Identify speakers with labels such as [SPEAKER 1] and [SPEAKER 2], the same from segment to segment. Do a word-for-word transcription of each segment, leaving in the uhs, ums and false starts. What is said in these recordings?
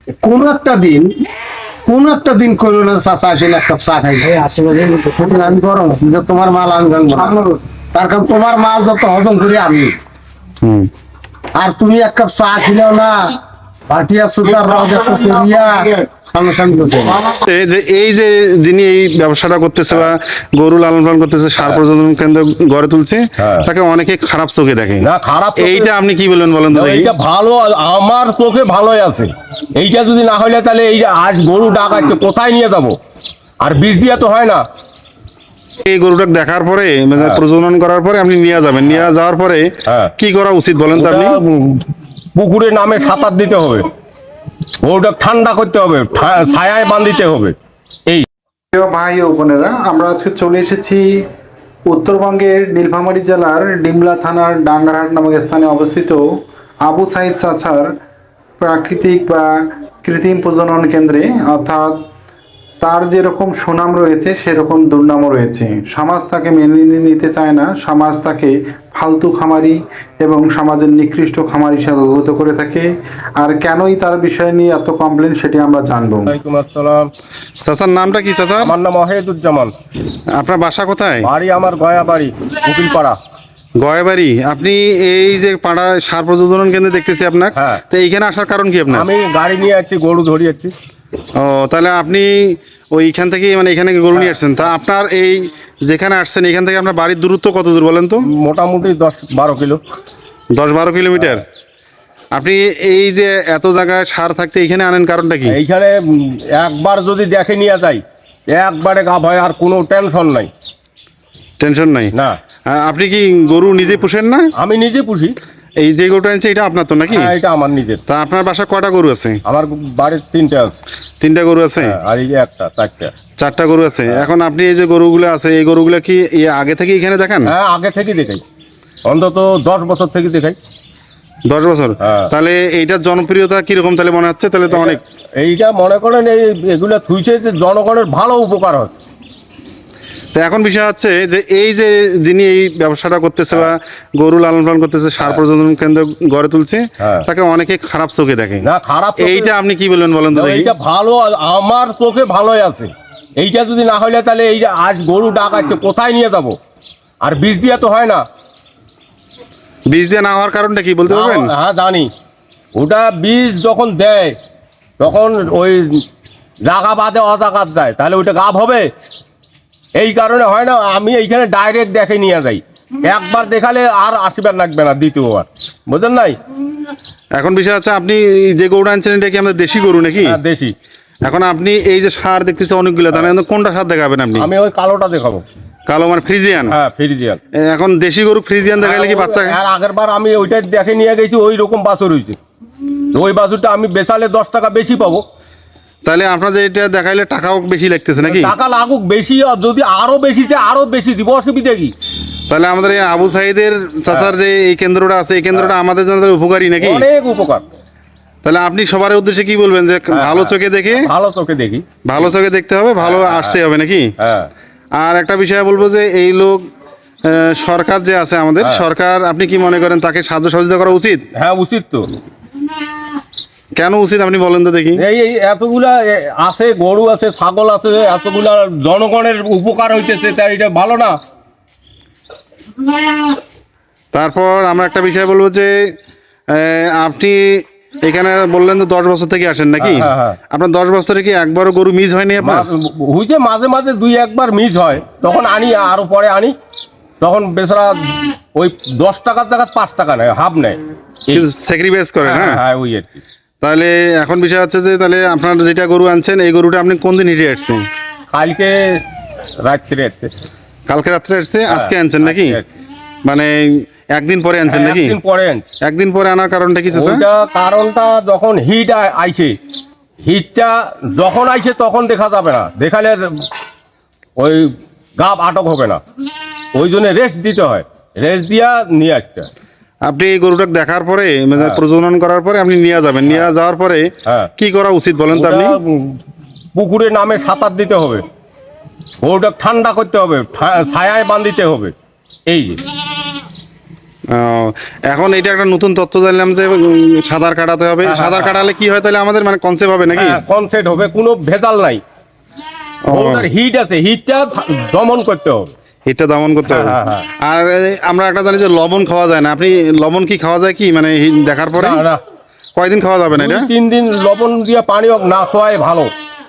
[SPEAKER 1] কোন একটা দিন কোন একটা দিন করলো না চাচা আসলে এক কাপ চা খাই আমি গরম আছি যে তোমার মাল আনবেন তার কারণ তোমার মাল যত হজম করি আমি
[SPEAKER 2] হুম
[SPEAKER 1] আর তুমি এক কাপ চা খেলেও না পাটিয়া সুতার রদ একটু করিয়া সামনে সামনে বসে
[SPEAKER 2] এই যে এই যে যিনি এই ব্যবসাটা করতেছে বা গরু লালন পালন করতেছে সার প্রজনন কেন্দ্র গড়ে তুলছে
[SPEAKER 3] হ্যাঁ।
[SPEAKER 2] তাকে অনেকে খারাপ চোখে দেখে
[SPEAKER 3] না খারাপ চোখে-
[SPEAKER 2] এইটা আপনি কি বলবেন বলেন তো দেখি
[SPEAKER 3] এইটা ভালো, আমার চোখে ভালোই আছে। এইটা যদি না হইলে তাহলে এই যে আজ গরু ডাকাচ্ছে কোথায় নিয়ে যাবো? আর বীজ দিয়া তো হয় না।
[SPEAKER 2] এই গরুটা দেখার পরে মানে প্রজনন করার পরে আপনি নিয়ে যাবেন নিয়ে যাওয়ার পরে
[SPEAKER 3] হ্যাঁ।
[SPEAKER 2] কি করা উচিত বলেন তো আপনি?
[SPEAKER 3] ওটা, উম, পুকুরে নামে সাঁতার দিতে হবে, গরুটা ঠান্ডা করতে হবে, ঠা- ছায়ায় বাঁধিতে হবে। এই
[SPEAKER 2] প্রিয় ভাই ও বোনেরা, আমরা আজকে চলে এসেছি উত্তরবঙ্গের নীলফামারী জেলার ডিমলা থানার ডাঙ্গারহাট নামক স্থানে অবস্থিত আবু সাইদ চাচার প্রাকৃতিক বা কৃত্রিম প্রজনন কেন্দ্রে। অর্থাৎ তার যেরকম সুনাম রয়েছে সেরকম দুর্নামও রয়েছে। সমাজ তাকে মেনে নিতে চায় না, সমাজ তাকে ফালতু খামারি এবং সমাজের নিকৃষ্ট খামারি হিসাবে অভিভূত করে থাকে। আর কেনই তার বিষয় নিয়ে এত কমপ্লেন সেটি আমরা জানবো।
[SPEAKER 3] ওয়ালাইকুম আসসালাম।
[SPEAKER 2] চাচার নামটা কি চাচা?
[SPEAKER 3] আমার নাম ওয়াহিদুজ্জামান,
[SPEAKER 2] আপনার বাসা কোথায়?
[SPEAKER 3] বাড়ি আমার গয়া বাড়ি, উকিলপাড়া।
[SPEAKER 2] গয়াবাড়ি। আপনি এই যে পাড়া সার প্রজনন কেন্দ্রে দেখতেছি আপনার,
[SPEAKER 3] হ্যাঁ।
[SPEAKER 2] তো এইখানে আসার কারণ কি আপনার?
[SPEAKER 3] আমি গাড়ি নিয়ে যাচ্ছি, গরু ধরে যাচ্ছি।
[SPEAKER 2] ও, তাহলে আপনি ওইখান থেকে মানে এখানে গরু নিয়ে আসছেন। তা আপনার এই যেখানে আসছেন এখান থেকে আপনার বাড়ির দূরত্ব কত দূর বলেন তো?
[SPEAKER 3] মোটামুটি দশ বারো কিলো।
[SPEAKER 2] দশ বারো কিলোমিটার। আপনি এই যে এত জায়গায় সার থাকতে এইখানে আনেন কারণটা কি?
[SPEAKER 3] এইখানে উম, একবার যদি দেখে নিয়ে যাই একবারে গা ভয়, আর কোনো টেনশন নাই।
[SPEAKER 2] টেনশন নাই
[SPEAKER 3] না,
[SPEAKER 2] আ- আপনি কি গরু নিজে পুষেন না?
[SPEAKER 3] আমি নিজে পুষি।
[SPEAKER 2] এই যে গরুটা আনছে এটা আপনার তো নাকি?
[SPEAKER 3] হ্যাঁ, এটা আমার নিজের।
[SPEAKER 2] তা আপনার বাসা কয়টা গরু আছে?
[SPEAKER 3] আমার বাড়ির তিনটে আছে।
[SPEAKER 2] তিনটা গরু আছে।
[SPEAKER 3] হ্যাঁ, আর এই যে একটা চারটা।
[SPEAKER 2] চারটা গরু আছে। এখন আপনি এই যে গরুগুলো আছে এই গরুগুলো কি এই আগে থেকে এখানে দেখান?
[SPEAKER 3] হ্যাঁ, আগে থেকে দেখাই, অন্তত দশ বছর থেকে দেখাই।
[SPEAKER 2] দশ বছর।
[SPEAKER 3] হ্যাঁ।
[SPEAKER 2] তাহলে এইটার জনপ্রিয়তা কিরকম তাহলে মনে হচ্ছে? তাহলে তো অনেক।
[SPEAKER 3] এইটা মনে করেন এই এগুলা থুইছে যে জনগণের ভালো উপকার হচ্ছে।
[SPEAKER 2] তো এখন বিষয় হচ্ছে যে এই যে যিনি এই ব্যবসাটা করতেছে বা গরু লালন পালন করতেছে সার প্রজনন কেন্দ্র গড়ে তুলছে
[SPEAKER 3] হ্যাঁ।
[SPEAKER 2] তাকে অনেকে খারাপ চোখে দেখে।
[SPEAKER 3] না খারাপ চোখে-
[SPEAKER 2] এইটা আপনি কি বলবেন বলেন তো
[SPEAKER 3] না,
[SPEAKER 2] দেখি?
[SPEAKER 3] এইটা ভালো, আমার চোখে ভালোই আছে। এইটা যদি না হইলে তাহলে এই যে আজ গরু ডাকাচ্ছে কোথায় নিয়ে যাবো? আর বীজ দিয়া তো হয় না।
[SPEAKER 2] বীজ দিয়ে না হওয়ার কারণটা কি বলতে পারবেন?
[SPEAKER 3] না, হ্যাঁ জানি। ওটা বীজ যখন দেয় তখন ওই জাগা বাদে অজাগাত যায়, তাহলে ওইটা গাব হবে। এই কারণে হয় না। আমি এইখানে ডাইরেক্ট দেখে নিয়ে যাই, একবার দেখালে আর আসিবার লাগবে না দ্বিতীয়বার, বুঝলেন নাই?
[SPEAKER 2] এখন বিষয় হচ্ছে আপনি এই যে গরুটা আনছেন এটা কি আমাদের দেশি গরু নাকি?
[SPEAKER 3] হ্যাঁ, দেশি।
[SPEAKER 2] এখন আপনি এই যে সার দেখতেছে অনেকগুলো, তাহলে এখন কোনটা সার দেখাবেন আপনি?
[SPEAKER 3] আমি ওই কালোটা দেখাবো।
[SPEAKER 2] কালো মানে ফ্রিজিয়ান?
[SPEAKER 3] হ্যাঁ, ফ্রিজিয়ান।
[SPEAKER 2] এখন দেশি গরু ফ্রিজিয়ান দেখাইলে কি বাচ্চা?
[SPEAKER 3] আর আগের বার আমি ওইটা দেখে নিয়ে গেছি, ওই রকম বাছুর হয়েছে। ওই বাছুরটা আমি বেচালে দশ টাকা বেশি পাবো।
[SPEAKER 2] তাহলে আপনাদের এটা দেখাইলে টাকাও বেশি লাগতেছে নাকি?
[SPEAKER 3] টাকা লাগুক বেশি, আর যদি আরো বেশি চাই আরো বেশি দিব, অসুবিধা কি?
[SPEAKER 2] তাহলে আমাদের এই আবু সাইদের চাচার যে এই কেন্দ্রটা আছে এই কেন্দ্রটা আমাদের জন্য উপকারী নাকি?
[SPEAKER 3] অনেক উপকার।
[SPEAKER 2] তাহলে আপনি সবার উদ্দেশ্যে কি বলবেন যে ভালো চোখে দেখে
[SPEAKER 3] ভালো চোখে দেখি।
[SPEAKER 2] ভালো চোখে দেখতে হবে, ভালো আসতে হবে নাকি?
[SPEAKER 3] হ্যাঁ,
[SPEAKER 2] আর একটা বিষয় বলবো যে এই লোক আহ, সরকার যে আছে আমাদের সরকার, আপনি কি মনে করেন তাকে সাহায্য সহযোগিতা করা উচিত?
[SPEAKER 3] হ্যাঁ উচিত তো।
[SPEAKER 2] কেন উচিত আপনি বলেন তো দেখি?
[SPEAKER 3] এই এই এতগুলা এ, আছে গরু আছে ছাগল আছে, এতগুলা জনগণের উপকার হইতেছে, তাই এটা ভালো না?
[SPEAKER 2] তারপর আমরা একটা বিষয় বলবো যে আহ, আপনি এখানে বললেন তো দশ বছর থেকে আসেন নাকি?
[SPEAKER 3] হ্যাঁ, হ্যাঁ।
[SPEAKER 2] আপনার দশ বছরে কি একবারও গরু মিস হয়নি আপনার?
[SPEAKER 3] মা- হইছে মাঝে মাঝে দুই একবার মিস হয়, তখন আনি আরো পরে আনি, তখন বেচারা ওই দশ টাকার জায়গায় পাঁচ টাকা নেয়, হাফ নেয়। এই-
[SPEAKER 2] স্যাক্রিফাইস করেন?
[SPEAKER 3] হ্যাঁ,
[SPEAKER 2] হ্যাঁ।
[SPEAKER 3] হ্যাঁ, ওই আর কি।
[SPEAKER 2] তাহলে এখন বিষয় হচ্ছে যে তাহলে আপনার যেটা গরু আনছেন এই গরুটা আপনি কোন দিন হিটে আসছেন?
[SPEAKER 3] কালকে রাত্রে আসছে।
[SPEAKER 2] কালকে রাত্রে আসছে, আজকে আনছেন নাকি?
[SPEAKER 3] আজকে আসছে।
[SPEAKER 2] মানে একদিন পরে আনছেন নাকি?
[SPEAKER 3] একদিন পরে আনছে।
[SPEAKER 2] একদিন পরে আনার কারণটা কি চাচা?
[SPEAKER 3] ওইটা কারণটা যখন হিট আইছে, হিটটা যখন আইছে তখন দেখা যাবে না, দেখালে ওই গাব আটক হবে না, ওই জন্য রেস্ট দিতে হয়, রেস্ট দিয়া নিয়ে আসতে হয়।
[SPEAKER 2] আপনি এই গরুটা দেখার পরে মানে প্রজনন করার পরে আপনি নিয়ে যাবেন, নিয়ে যাওয়ার পরে
[SPEAKER 3] হ্যাঁ।
[SPEAKER 2] কি করা উচিত বলেন তো আপনি?
[SPEAKER 3] ওটা, উম, পুকুরে নামে সাঁতার দিতে হবে, ওটা ঠান্ডা করতে হবে, ঠা- ছায়ায় বাঁধিতে হবে। এই যে
[SPEAKER 2] ও, এখন এটা একটা নতুন তথ্য জানলাম যে উম, সাঁতার কাটাতে হবে। সাঁতার কাটালে কি হয় তাহলে আমাদের মানে কনসেপ্ট হবে নাকি?
[SPEAKER 3] কনসেপ্ট হবে, কোনো ভেজাল নাই।
[SPEAKER 2] ও,
[SPEAKER 3] গরুটার হিট আছে, হিটটা থা- দমন করতে হবে।
[SPEAKER 2] এটা দমন করতে হবে।
[SPEAKER 3] হ্যাঁ, হ্যাঁ,
[SPEAKER 2] আর এই, আমরা একটা জানি যে লবণ খাওয়া যায় না, আপনি লবণ কি খাওয়া যায় কি মানে হি- দেখার পরে
[SPEAKER 3] না, না,
[SPEAKER 2] কয়দিন খাওয়া যাবে না
[SPEAKER 3] দুই
[SPEAKER 2] এটা?
[SPEAKER 3] তিন দিন লবণ দিয়ে পানি হোক না খোয়াই ভালো।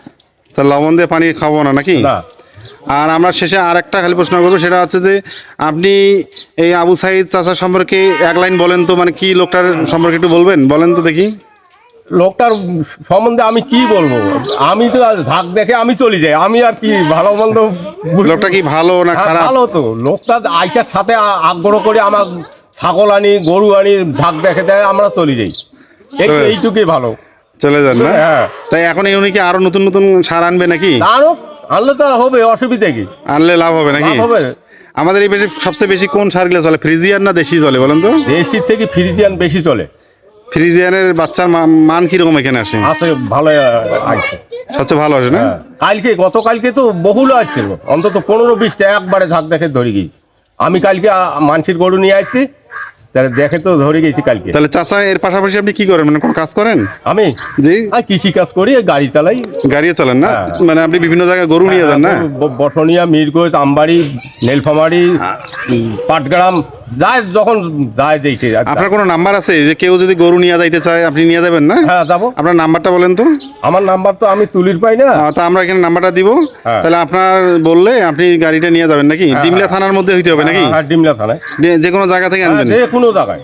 [SPEAKER 2] তা লবণ দিয়ে পানি খাবো না নাকি?
[SPEAKER 3] না,
[SPEAKER 2] আর আমরা শেষে আর একটা খালি প্রশ্ন করবো, সেটা হচ্ছে যে আপনি এই আবু সাইদ চাচা সম্পর্কে এক লাইন বলেন তো, মানে কি লোকটার সম্পর্কে একটু বলবেন, বলেন তো দেখি।
[SPEAKER 3] লোকটার সম্বন্ধে আমি কি বলবো? আমি তো আর ঝাঁক দেখে আমি চলে যাই, আমি আর কি ভালো মন্দ বুঝ-
[SPEAKER 2] লোকটা কি ভালো না
[SPEAKER 3] হ্যাঁ,
[SPEAKER 2] খারাপ?
[SPEAKER 3] ভালো তো। লোকটা আইসার সাথে আ- আগ্রহ করে আমার ছাগল আনি, গরু আনি, ঝাঁক দেখে দেয়, আমরা চলে যাই। এই
[SPEAKER 2] হ্যাঁ।
[SPEAKER 3] এইটুকুই ভালো।
[SPEAKER 2] চলে যান না?
[SPEAKER 3] হ্যাঁ,
[SPEAKER 2] তাই এখন এই উনি কি আরো নতুন নতুন সার আনবে নাকি?
[SPEAKER 3] আরো আনলে তো হবে, অসুবিধা কি?
[SPEAKER 2] আনলে লাভ হবে নাকি?
[SPEAKER 3] লাভ হবে।
[SPEAKER 2] আমাদের এই বেশি সবচেয়ে বেশি কোন সারগুলো চলে, ফ্রিজিয়ান না দেশি চলে বলেন তো?
[SPEAKER 3] দেশির থেকে ফ্রিজিয়ান বেশি চলে।
[SPEAKER 2] ফ্রিজিয়ানের বাচ্চার মা- মান কিরকম এখানে আসে?
[SPEAKER 3] আছে, ভালো আসছে।
[SPEAKER 2] সবচেয়ে ভালো আসে না?
[SPEAKER 3] হ্যাঁ, কালকে গতকালকে তো বহুল আসছিল, অন্তত পনেরো বিশটা একবারে ঝাঁক দেখে ধরে গেছি। আমি কালকে আ, মানসির গরু নিয়ে আসছি, তাহলে দেখে তো ধরে গেছি কালকে।
[SPEAKER 2] তাহলে চাচা এর পাশাপাশি আপনি কি করেন, মানে কোন কাজ করেন?
[SPEAKER 3] আমি
[SPEAKER 2] জি,
[SPEAKER 3] আর কৃষি কাজ করি, গাড়ি চালাই।
[SPEAKER 2] গাড়িও চালান না?
[SPEAKER 3] হ্যাঁ।
[SPEAKER 2] মানে আপনি বিভিন্ন জায়গায় গরু নিয়ে যান না?
[SPEAKER 3] ব- বসনিয়া, মিরগঞ্জ, আমবাড়ি, নীলফামারি, উম, পাটগ্রাম, যায় যখন যায় যেইটে।
[SPEAKER 2] আপনার কোনো নাম্বার আছে যে কেউ যদি গরু নিয়ে যাইতে চায় আপনি নিয়ে যাবেন না?
[SPEAKER 3] হ্যাঁ, যাবো।
[SPEAKER 2] আপনার নাম্বারটা বলেন তো।
[SPEAKER 3] আমার নাম্বার তো আমি তুলির পাই না।
[SPEAKER 2] আহ, তা আমরা এখানে নাম্বারটা দিব।
[SPEAKER 3] হ্যাঁ।
[SPEAKER 2] তাহলে আপনার বললে আপনি গাড়িটা নিয়ে যাবেন নাকি? ডিমলা থানার মধ্যে হইতে হবে নাকি?
[SPEAKER 3] হ্যাঁ, ডিমলা থানায়।
[SPEAKER 2] যে- যে কোনো জায়গা থেকে আনবেন?
[SPEAKER 3] যে কোনো জায়গায়,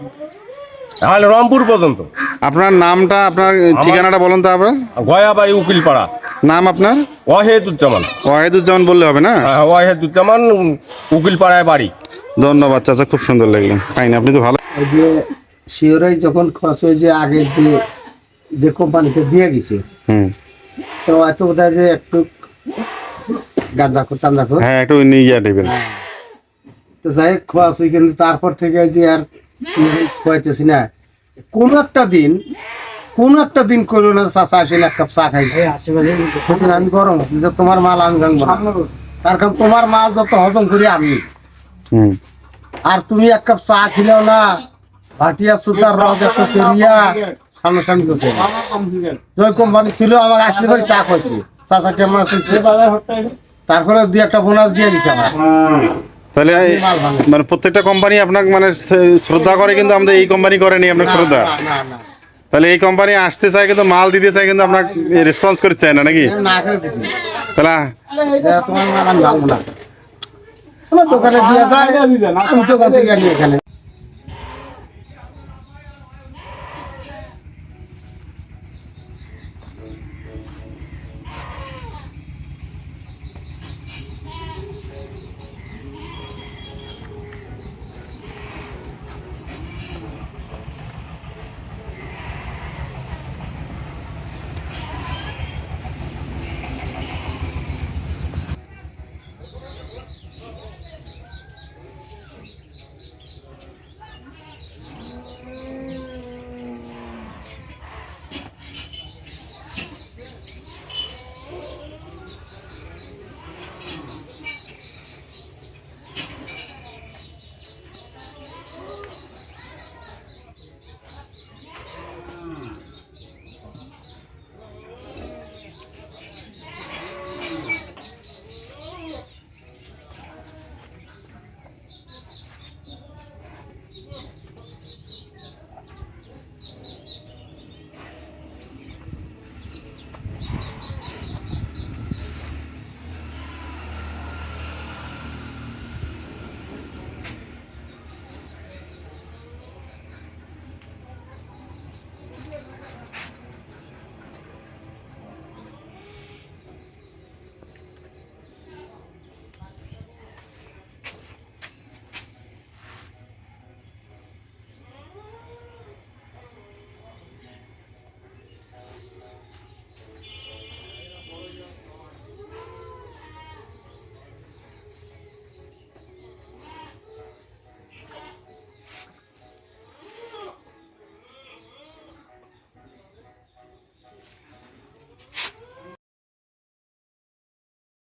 [SPEAKER 3] তাহলে রংপুর পর্যন্ত।
[SPEAKER 2] আপনার নামটা, আপনার ঠিকানাটা বলেন তো আপনার
[SPEAKER 3] গয়াবাড়ি, উকিলপাড়া।
[SPEAKER 2] নাম আপনার?
[SPEAKER 3] ওয়াহেদুজ্জামান।
[SPEAKER 2] ওয়াহিদুজ্জামান বললে হবে না?
[SPEAKER 3] হ্যাঁ, ওয়াহেদুজ্জামান, উকিলপাড়ায় বাড়ি।
[SPEAKER 2] ধন্যবাদ চাচা, খুব সুন্দর লাগলো। কাহিনী আপনি তো ভালো।
[SPEAKER 1] ওই যে শিওরাই যখন খরচ হয়ে যে আগে যে যে কোম্পানিতে দিয়ে গেছে,
[SPEAKER 2] হুম,
[SPEAKER 1] তো এত বোধ হয় যে একটু গাঁজা কর টান্দা কর,
[SPEAKER 2] হ্যাঁ একটু নিয়ে গিয়ে দেবেন।
[SPEAKER 1] তো যাই হোক খোয়াছি, কিন্তু তারপর থেকে যে আর শিওরাই খোয়াইতেছি না। কোন একটা দিন কোন একটা দিন করলো না চাষা আসলে এক কাপ চা খাই, সেদিন আমি গরম আছি যে তোমার মাল আমি ভাঙবো না। তার কারণ তোমার মাল যত হজম করি আমি,
[SPEAKER 2] হুম,
[SPEAKER 1] আর তুমি এক কাপ চা খেলেও না, ভাটিয়া সুতার রদ এত পেরিয়া সামনাসামনি করছে। ওই কোম্পানি ছিল, আমার আসলে করে চা খাইছি, চাচা কেমন আছে, তারপরে দুই একটা বোনাস দিয়ে দিচ্ছে আমার।
[SPEAKER 2] তাহলে এই-
[SPEAKER 1] মাল ভাঙে।
[SPEAKER 2] মানে প্রত্যেকটা কোম্পানি আপনাকে মানে শ্র- শ্রদ্ধা করে, কিন্তু আমাদের এই কোম্পানি করেনি আপনার শ্রদ্ধা।
[SPEAKER 1] না, না, না,
[SPEAKER 2] তাহলে এই কোম্পানি আসতে চায় কিন্তু মাল দিতে চায়, কিন্তু আপনার রেসপন্স করতে চায় না নাকি?
[SPEAKER 1] না, না করে দিছি।
[SPEAKER 2] তাহলে
[SPEAKER 1] এ, তোমার মাল আমি ভাঙবো না, আমার দোকানে দিয়ে যায়, আমি দোকান থেকে আনি এখানে।